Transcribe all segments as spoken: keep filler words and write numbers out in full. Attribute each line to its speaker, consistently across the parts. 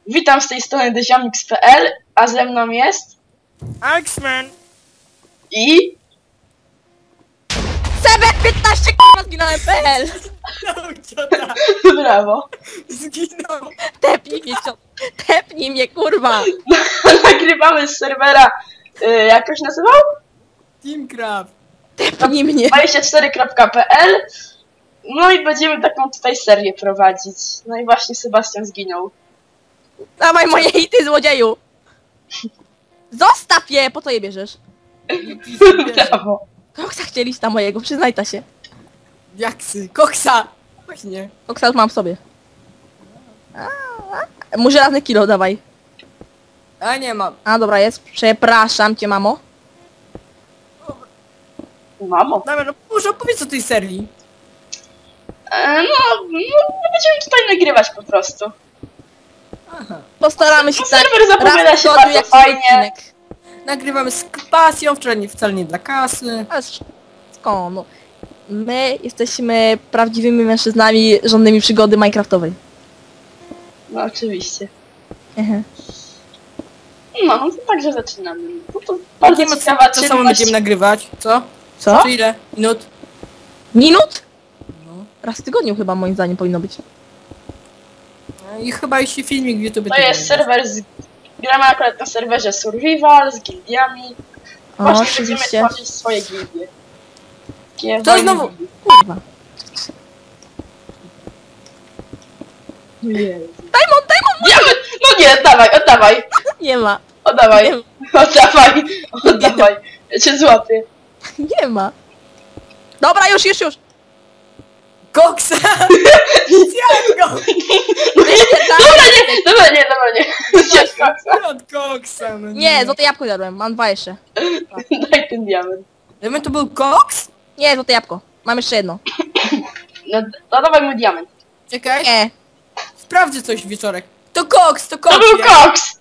Speaker 1: Witam z tej strony Deziomix kropka p l, a ze mną jest...
Speaker 2: X-Men!
Speaker 1: I...
Speaker 3: Sebek piętnaście k***a zginąłem p l.
Speaker 2: No, ciota!
Speaker 1: Brawo.
Speaker 2: Zginął!
Speaker 3: Tepnij mnie, cio... Tepnij mnie, kurwa!
Speaker 1: Nagrywamy z serwera... Y, jak to się nazywał?
Speaker 2: Teamcraft!
Speaker 3: Tepnij mnie.
Speaker 1: dwadzieścia cztery kropka p l. No i będziemy taką tutaj serię prowadzić. No i właśnie Sebastian zginął.
Speaker 3: Dawaj moje hity, złodzieju! Zostaw je! Po co je bierzesz?
Speaker 1: Brawo.
Speaker 3: Koksa chcieliś tam mojego, przyznaj ta się.
Speaker 2: Jaksy! Koksa! Właśnie.
Speaker 3: Koksa już mam w sobie. A, a. Mu żelazny kilo, dawaj.
Speaker 2: A nie mam.
Speaker 3: A dobra, jest. Przepraszam cię, mamo.
Speaker 1: Mamo.
Speaker 2: Dobra, no może opowiedz o tej serii.
Speaker 1: E, no, no, będziemy tutaj nagrywać po prostu.
Speaker 2: Aha.
Speaker 3: Postaramy się
Speaker 1: No,
Speaker 3: tak
Speaker 1: serwer zapowiada
Speaker 3: raz w
Speaker 1: się
Speaker 3: tygodniu,
Speaker 1: bardzo
Speaker 3: jak
Speaker 1: fajnie.
Speaker 3: odcinek.
Speaker 2: Nagrywamy z pasją, wczoraj nie, wcale nie dla kasy.
Speaker 3: Ale skąd? No. My jesteśmy prawdziwymi mężczyznami żądnymi przygody minecraftowej.
Speaker 1: No oczywiście.
Speaker 3: Aha.
Speaker 1: No, no to także zaczynamy. No to bardzo
Speaker 2: Nie ma co,
Speaker 1: ciekawa
Speaker 2: co samo
Speaker 1: czynność.
Speaker 2: będziemy nagrywać. Co?
Speaker 3: Co?
Speaker 2: Czy ile? Minut?
Speaker 3: Minut?
Speaker 2: No.
Speaker 3: Raz w tygodniu chyba moim zdaniem powinno być.
Speaker 2: I chyba jeśli filmik w YouTube...
Speaker 1: To jest serwer z... Gramy akurat na serwerze Survival z gildiami.
Speaker 3: O,
Speaker 1: Właśnie będziemy
Speaker 3: oczywiście.
Speaker 1: tworzyć swoje gildie. Takie
Speaker 2: To
Speaker 1: wojny
Speaker 2: znowu-
Speaker 1: gildii.
Speaker 3: Kurwa.
Speaker 1: Jezu.
Speaker 3: Diamond, Diamond!
Speaker 1: Diament! No nie, oddawaj, oddawaj!
Speaker 3: Nie ma.
Speaker 1: Oddawaj!
Speaker 3: Nie,
Speaker 1: Oddawaj! Oddawaj! Ja cię złapię.
Speaker 3: nie ma. Dobra, już, już, już.
Speaker 2: Koksa! Zjadł go!
Speaker 1: No nie, dobra, nie, dobra, nie, dobra, nie. Zjedz koksa.
Speaker 2: Od koksa, no
Speaker 3: Nie, złote jabłko jadłem. Mam dwa jeszcze.
Speaker 1: Daj ten diament.
Speaker 2: Gdyby to był koks?
Speaker 3: Nie, złote jabłko. Mam jeszcze jedno.
Speaker 1: No, no dawaj mój diament.
Speaker 2: Czekaj.
Speaker 3: Nie.
Speaker 2: Sprawdzę coś wieczorek. To koks, to koks!
Speaker 1: To był
Speaker 2: jest.
Speaker 1: koks!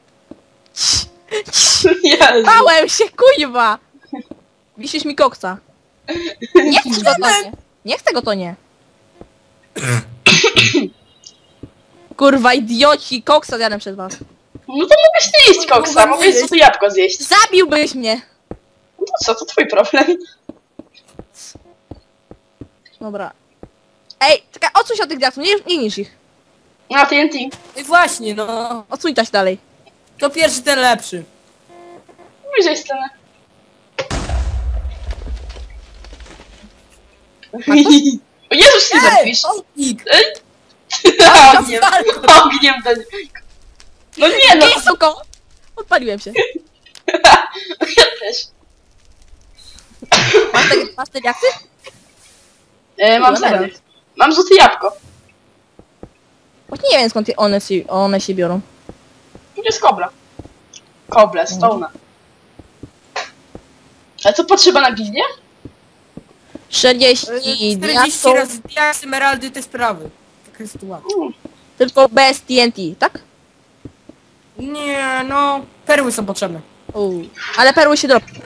Speaker 1: Jezu.
Speaker 3: Bałem się, kuźwa! Wisisz mi koksa. Nie chcesz go to nie. Nie chcę go to nie. Kurwa, idioci, koksa zjadłem przez was.
Speaker 1: No to mogłeś nie jeść koksa, mogłeś sobie jabłko zjeść.
Speaker 3: Zabiłbyś mnie!
Speaker 1: No to co, to twój problem.
Speaker 3: Dobra. Ej, czekaj, odsuń się od tych diaksów, nie, nie niż ich.
Speaker 1: Na T N T.
Speaker 2: I właśnie, no.
Speaker 3: Odsuń się dalej.
Speaker 2: To pierwszy, ten lepszy.
Speaker 1: Bliżej scenę. O Jezus, Silverfish!
Speaker 2: Ołnik!
Speaker 1: Ej! Ogniem, ogniem do... No nie no!
Speaker 3: Nie, suko! Odpaliłem się.
Speaker 1: Ja też.
Speaker 3: Masz te, masz te diaksy?
Speaker 1: E, mam
Speaker 3: Dobra.
Speaker 1: zero. Mam złote jabłko.
Speaker 3: Właśnie nie wiem skąd one się, one się biorą.
Speaker 1: Tu jest kobra. Koble, stone'a. A co potrzeba na gildię?
Speaker 3: czterdzieści
Speaker 2: czterdzieści
Speaker 3: diaksów,
Speaker 2: razy diaks, emeraldy, te sprawy. Taka sytuacja.
Speaker 1: Mm.
Speaker 3: tylko bez T N T, tak?
Speaker 2: Nie, no. Perły są potrzebne.
Speaker 3: Uuu. Ale perły się dropią.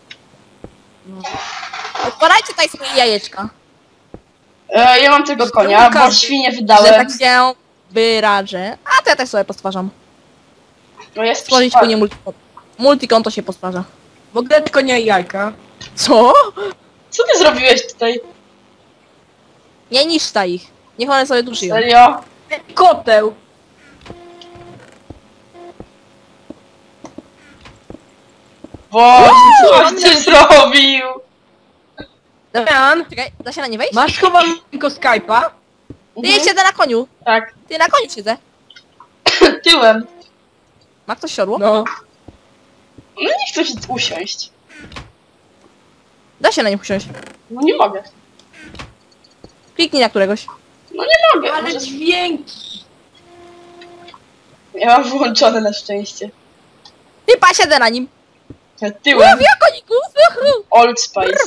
Speaker 3: Odpalajcie tutaj swoje jajeczka.
Speaker 1: E, ja mam tego konia, bo
Speaker 2: każdy.
Speaker 1: świnie
Speaker 3: Że
Speaker 1: wydałem.
Speaker 3: tak się wyrażę. A to ja też sobie postwarzam.
Speaker 1: No jest
Speaker 3: Stworzyć po nie multikonto. Multikonto się postwarza.
Speaker 2: W ogóle tylko nie jajka.
Speaker 3: Co?
Speaker 1: Co ty zrobiłeś tutaj?
Speaker 3: Nie niszcza ich. Niech one sobie tu żyją.
Speaker 1: Serio?
Speaker 2: Koteł.
Speaker 1: Boże, co ty zrobił?
Speaker 2: Damian,
Speaker 3: Czekaj, da się na nie wejść?
Speaker 2: masz chowanego Skype'a?
Speaker 3: Ty ja siedzę na koniu.
Speaker 1: Tak,
Speaker 3: Ty na koniu siedzę.
Speaker 1: tyłem.
Speaker 3: Ma ktoś siodło?
Speaker 2: No.
Speaker 1: No nie chcę się usiąść.
Speaker 3: Da się na nie usiąść.
Speaker 1: No nie mogę.
Speaker 3: Kliknij na któregoś.
Speaker 1: No nie mogę.
Speaker 2: Ale
Speaker 1: Może...
Speaker 2: dźwięki.
Speaker 1: Ja mam wyłączone na szczęście.
Speaker 3: Ty pa, siedzę na nim.
Speaker 1: Tyłem.
Speaker 3: Mówię o koniku. Uhu.
Speaker 1: Old Spice.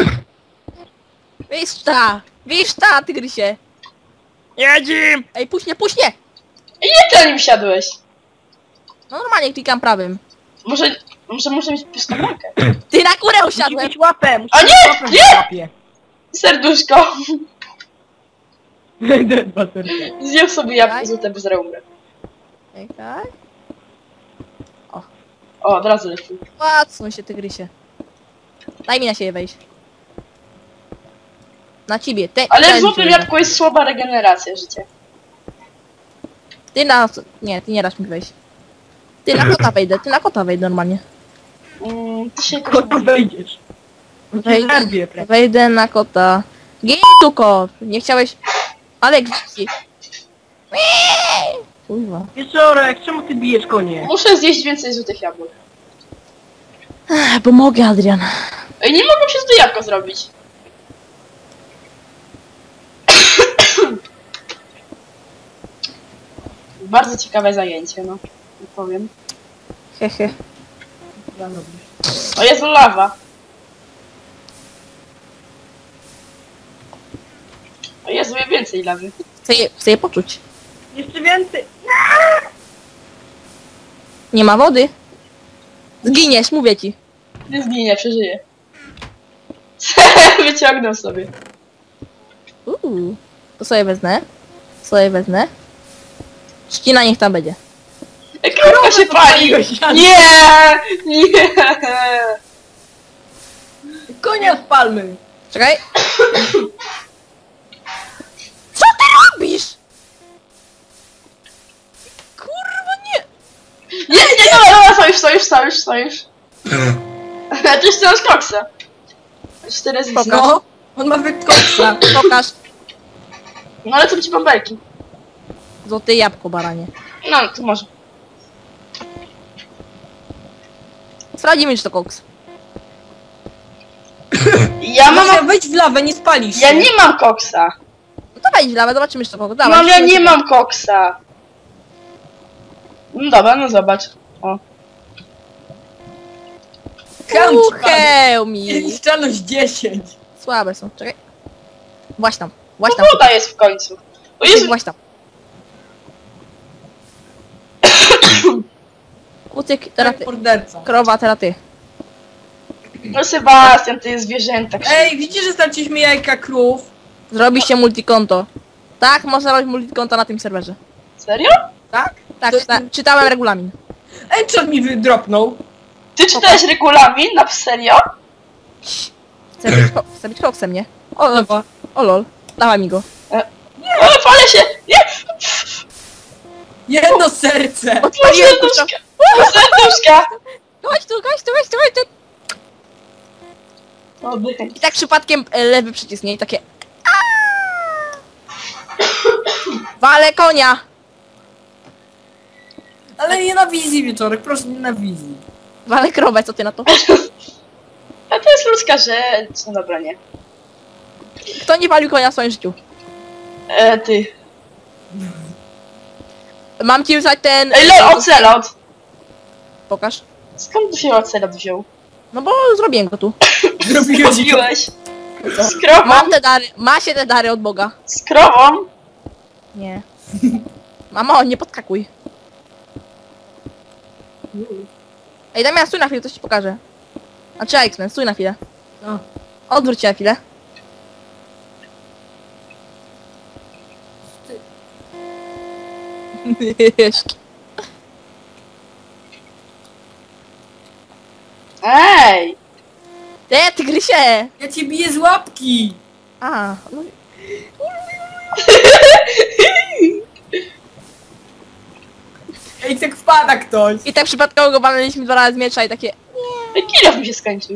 Speaker 3: Wiszta. Wiszta, tygrysie.
Speaker 2: Jedzim!
Speaker 3: Ej, puść mnie, puść mnie.
Speaker 1: I nie ty na nim siadłeś.
Speaker 3: No normalnie klikam prawym.
Speaker 1: Może, może muszę mieć pustą rękę.
Speaker 3: Ty na górę
Speaker 2: Musi
Speaker 3: usiadłem.
Speaker 2: mieć łapę, musi
Speaker 1: A
Speaker 2: mieć
Speaker 1: nie,
Speaker 2: łapę w
Speaker 1: nie!
Speaker 2: łapie.
Speaker 1: Serduszko.
Speaker 2: Dwa serca.
Speaker 1: Zjem sobie jabłko złote bez reumy.
Speaker 3: Czekaj.
Speaker 1: O, od razu lepiej.
Speaker 3: Łacą się tygrysie. Daj mi na siebie wejść. Na ciebie. Te,
Speaker 1: Ale
Speaker 3: ten
Speaker 1: w złotym
Speaker 3: ciebie.
Speaker 1: jabłku jest słaba regeneracja życia.
Speaker 3: Ty na... Nie, ty nie dasz mi wejść. Ty na kota wejdę, ty na kota wejdę normalnie.
Speaker 1: Mm, ty się
Speaker 2: Kota wejdziesz.
Speaker 3: Wejdę,
Speaker 2: Zerwie, pre.
Speaker 3: wejdę na kota. Gin tu kot! Nie chciałeś... Ale gdzieś... Kurwa.
Speaker 2: Wieczorek, czemu ty bijesz konie?
Speaker 1: Muszę zjeść więcej złotych jabłek.
Speaker 3: Ech, pomogę, Adrian.
Speaker 1: Ej, nie mogę przez to jabłko zrobić. Bardzo ciekawe zajęcie, no. Nie powiem.
Speaker 3: Hehe.
Speaker 1: O, jest lawa. O Jezu, ja więcej lawy.
Speaker 3: Chcę je, chcę je poczuć.
Speaker 2: Jeszcze więcej.
Speaker 3: Nie ma wody. Zginiesz, mówię ci.
Speaker 1: Nie zginie, przeżyje. Wyciągnął sobie.
Speaker 3: Uuu. To sobie wezmę. Sobie wezmę. Trzcina niech tam będzie.
Speaker 1: Ej, krówka się pali! Nie! Nie!
Speaker 2: Konia spalmy.
Speaker 3: Czekaj. Co ty robisz? Kurwa nie.
Speaker 1: Nie, nie, dobra, dobra, sojusz, sojusz, sojusz, sojusz. Ty jeszcze masz koksa. Cztery z
Speaker 3: Pokaż.
Speaker 2: No, on ma wykoksa.
Speaker 3: Pokaż.
Speaker 1: No ale co ci bąbelki?
Speaker 3: Złote jabłko, baranie.
Speaker 1: No, to może.
Speaker 3: Sprawdzimy, czy to koks.
Speaker 1: Ja mam...
Speaker 2: Mam... Wejdź w lawę, nie spalisz
Speaker 1: Ja
Speaker 2: się.
Speaker 1: nie mam koksa.
Speaker 3: No to wejdź w lawę, zobaczymy, czy to koks. Dawaj,
Speaker 1: Mam, ja
Speaker 3: szybko,
Speaker 1: nie
Speaker 3: szybko.
Speaker 1: mam koksa. No dobra, no zobacz. O.
Speaker 2: Kam ci padł.
Speaker 3: Ucheł mi.
Speaker 2: Niszczalność dziesięć.
Speaker 3: Słabe są, czekaj. Właś tam, właś
Speaker 1: No
Speaker 3: tam.
Speaker 1: woda jest w końcu. O Jezu,
Speaker 3: Właś tam. Kucyk, teraz ty.
Speaker 2: Morderca.
Speaker 3: Krowa, teraz ty.
Speaker 1: no Sebastian, ty jest zwierzęta.
Speaker 2: Ej, widzicie, że straciliśmy jajka krów?
Speaker 3: Zrobi się multikonto. Tak, można robić multikonto na tym serwerze.
Speaker 1: Serio?
Speaker 2: Tak?
Speaker 3: Tak,
Speaker 2: To-
Speaker 3: czyta czytałem regulamin.
Speaker 2: Enchant mi wydropnął.
Speaker 1: Ty czytałeś regulamin? Na serio?
Speaker 3: Chcę być, ko chcę być koksem, nie? O, lol.
Speaker 2: Dobra.
Speaker 3: O lol. Dawaj mi go.
Speaker 1: O, palę się! Nie!
Speaker 2: Jedno serce.
Speaker 1: O,
Speaker 3: Odpaliłem
Speaker 1: serduszka! O, serduszka!
Speaker 3: Chodź tu, chodź tu, chodź tu, chodź tu.
Speaker 1: Oddychaj.
Speaker 3: I tak przypadkiem e, lewy przycisk, nie? I takie... Aaaa! Wale konia!
Speaker 2: Ale nie na wizji wieczorek, proszę nie na wizji.
Speaker 3: Wale krowę, co ty na to?
Speaker 1: A to jest ludzka rzecz. No dobra, nie.
Speaker 3: Kto nie walił konia w swoim życiu?
Speaker 1: E, ty.
Speaker 3: Mam ci wysłać ten...
Speaker 1: Ej, lol, ocelot!
Speaker 3: Pokaż.
Speaker 1: Skąd się ocelot wziął?
Speaker 3: No bo zrobiłem go tu.
Speaker 2: Zrobiłeś go.
Speaker 1: Zrobiłeś. Z krową?
Speaker 3: Mam te dary, ma się te dary od Boga.
Speaker 1: Z krową?
Speaker 3: Nie. Mamo, nie podskakuj. Ej, Damian, stój na chwilę, coś ci pokażę. A czy X-Men, stój na chwilę.
Speaker 2: No.
Speaker 3: Odwróć się na chwilę.
Speaker 1: Ej!
Speaker 3: Te, tygrysie!
Speaker 2: Ja cię biję z łapki.
Speaker 3: A, no,
Speaker 2: Ej, tak wpada ktoś.
Speaker 3: i tak przypadkowo go walnęliśmy dwa razy z miecza i takie...
Speaker 1: Ej, kilof mi się skończył.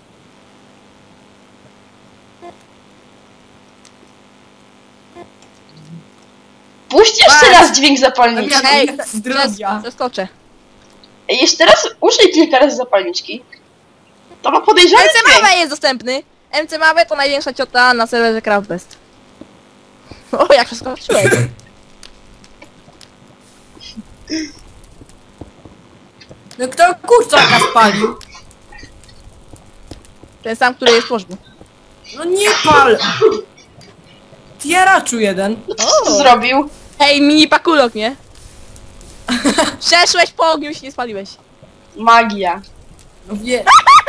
Speaker 1: Puść jeszcze
Speaker 3: Patrz.
Speaker 1: raz dźwięk zapalniczki.
Speaker 2: Damian.
Speaker 3: Hej,
Speaker 2: jest zdrowia.
Speaker 3: zeskoczę.
Speaker 1: Ej, jeszcze raz użyj kilka razy zapalniczki. To ma podejrzany
Speaker 3: M C
Speaker 1: dźwięk.
Speaker 3: Małe jest dostępny. M C Małe to największa ciota na serwerze Craftbest. O, jak przeskoczyłeś.
Speaker 2: No kto kurczaka spalił?
Speaker 3: Ten sam, który jest w łożbu.
Speaker 2: No nie pal. Tieraczu jeden.
Speaker 1: No co ty zrobił?
Speaker 3: Hej, mini pakulok, nie? Przeszłeś po ogniu i się nie spaliłeś.
Speaker 1: Magia.
Speaker 2: No wie.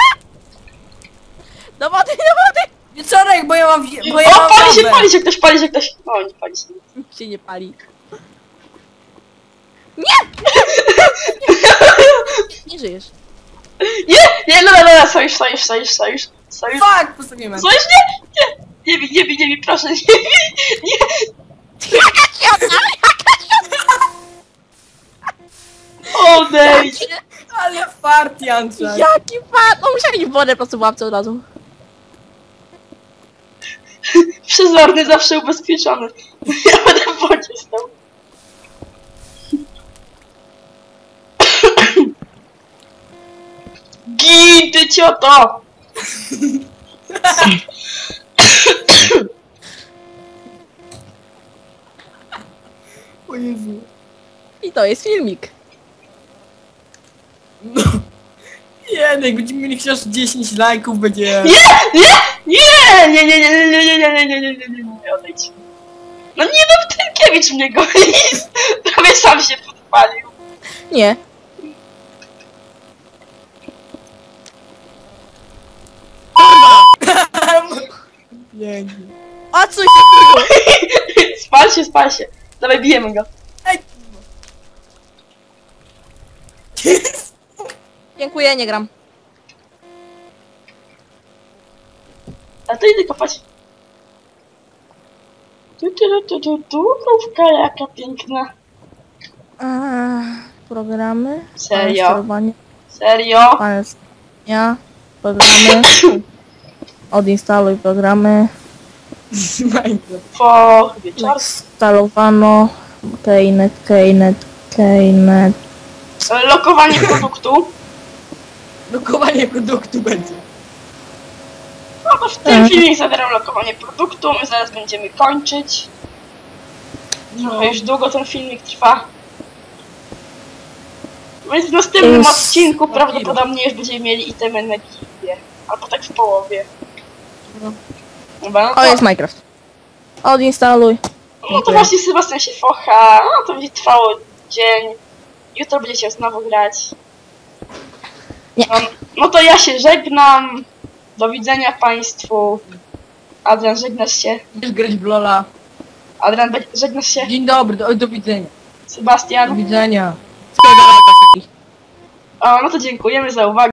Speaker 3: Do wody, do wody!
Speaker 2: Wieczorek, bo ja mam... wie- Bo ja
Speaker 1: O,
Speaker 2: mam
Speaker 1: pali się,
Speaker 2: wodę.
Speaker 1: pali się ktoś, pali się ktoś. O, nie pali się.
Speaker 3: Się nie pali. Nie żyjesz.
Speaker 1: Nie, nie, no, no, no, sojusz, sojusz, sojusz, sojusz, sojusz.
Speaker 2: Fuck, postawimy.
Speaker 1: Sojusz, nie, nie, nie bij, nie bij, nie bij, proszę, nie bij, nie. Odejdź.
Speaker 2: Ale fart, Janczak.
Speaker 3: Jaki fan! No musieli w wodę po prostu w łapce od razu.
Speaker 1: Przezorny, zawsze ubezpieczony. Ja będę w wodzie stał. Gin, ty cioto!
Speaker 2: O Jezu.
Speaker 3: I to jest filmik.
Speaker 2: No. Nie, no jak będziemy mieli chociaż dziesięć lajków, będzie...
Speaker 1: Nie! Nie! Nie! Nie! Nie! Nie! Nie! Nie! Nie! Nie! Nie! Nie! Nie! Nie! Nie! Odejdź. No nie no, Tynkiewicz mnie goni. Prawie sam się podpalił.
Speaker 3: Nie.
Speaker 2: Pięknie.
Speaker 3: Odsuń się, kurwa!
Speaker 1: Spal się, spal się. Dawaj, bijemy go.
Speaker 2: Ej!
Speaker 3: Dziękuję, nie gram.
Speaker 1: A to idę kopać. Tu, tu, tu, tu, tu, krówka jaka piękna.
Speaker 3: Eee, programy.
Speaker 1: Serio?
Speaker 3: Sterowanie.
Speaker 1: Serio?
Speaker 3: Panel sterowania. Programy. Odinstaluj programy.
Speaker 2: Minecraft.
Speaker 1: Po wieczorku.
Speaker 3: Instalowano. Keynet, Keynet, Keynet.
Speaker 1: Lokowanie produktu.
Speaker 2: Lokowanie produktu będzie.
Speaker 1: No to w tym filmie zawieram lokowanie produktu. My zaraz będziemy kończyć. Trochę już długo ten filmik trwa. Więc w następnym
Speaker 3: Jest-
Speaker 1: odcinku prawdopodobnie już będziemy mieli itemy na gildię. Albo tak w połowie.
Speaker 2: No.
Speaker 1: Dobra, no
Speaker 3: O,
Speaker 1: to,
Speaker 3: jest Minecraft. Odinstaluj.
Speaker 1: no to właśnie Sebastian się focha. No to będzie trwało dzień. Jutro będziecie znowu grać.
Speaker 3: Nie.
Speaker 1: No, no to ja się żegnam. Do widzenia państwu. Adrian, żegnasz się.
Speaker 2: Będziesz grać w Lola.
Speaker 1: Adrian, be- żegnasz się.
Speaker 2: Dzień dobry, do, do widzenia. Do
Speaker 1: Sebastian.
Speaker 2: widzenia.
Speaker 3: Spierdalaj, koszyki.
Speaker 1: O, no to dziękujemy za uwagę.